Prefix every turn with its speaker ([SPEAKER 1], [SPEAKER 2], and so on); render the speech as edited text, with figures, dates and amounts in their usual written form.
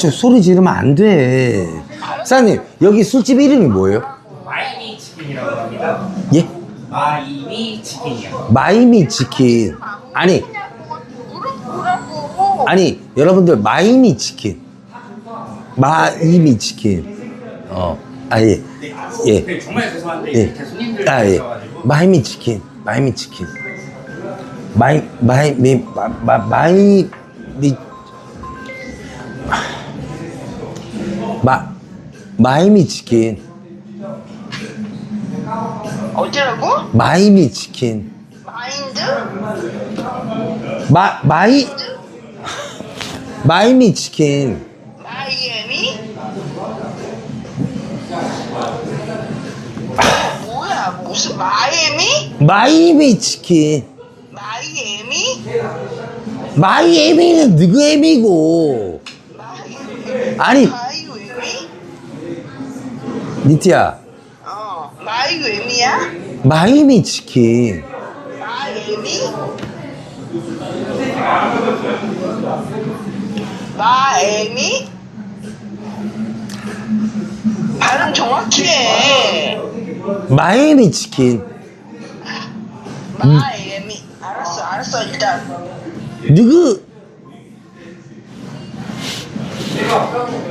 [SPEAKER 1] 저 소리 지르면 안 돼. 사장님, 여기 술집 이름이 뭐예요?
[SPEAKER 2] 마이미 치킨이라고 합니다.
[SPEAKER 1] 예?
[SPEAKER 2] 마이미 치킨이요.
[SPEAKER 1] 마이미 치킨. 아니, 아니, 여러분들, 마이미 치킨. 마이미 치킨. 예. 예.
[SPEAKER 2] 네, 정말 죄송한데
[SPEAKER 1] 예.
[SPEAKER 2] 제 손님들
[SPEAKER 1] 예.
[SPEAKER 2] 있어가지고
[SPEAKER 1] 마이미 치킨. 마이미 치킨. 마이미 치킨.
[SPEAKER 3] 어디라고?
[SPEAKER 1] 마이미 치킨.
[SPEAKER 3] 마인드?
[SPEAKER 1] 마이미 치킨.
[SPEAKER 3] 마이애미? 뭐야 무슨 마이애미?
[SPEAKER 1] 마이미 치킨.
[SPEAKER 3] 마이애미?
[SPEAKER 1] 마이애미는 누구 애미고? 아니,
[SPEAKER 3] 마이애미?
[SPEAKER 1] 니티야,
[SPEAKER 3] 마이애미야?
[SPEAKER 1] 마이미 치킨.
[SPEAKER 3] 마이애미? 마애미? 발음 정확히 해.
[SPEAKER 1] 마이미 치킨.
[SPEAKER 3] 마애미. 알았어 일단.
[SPEAKER 1] 누구?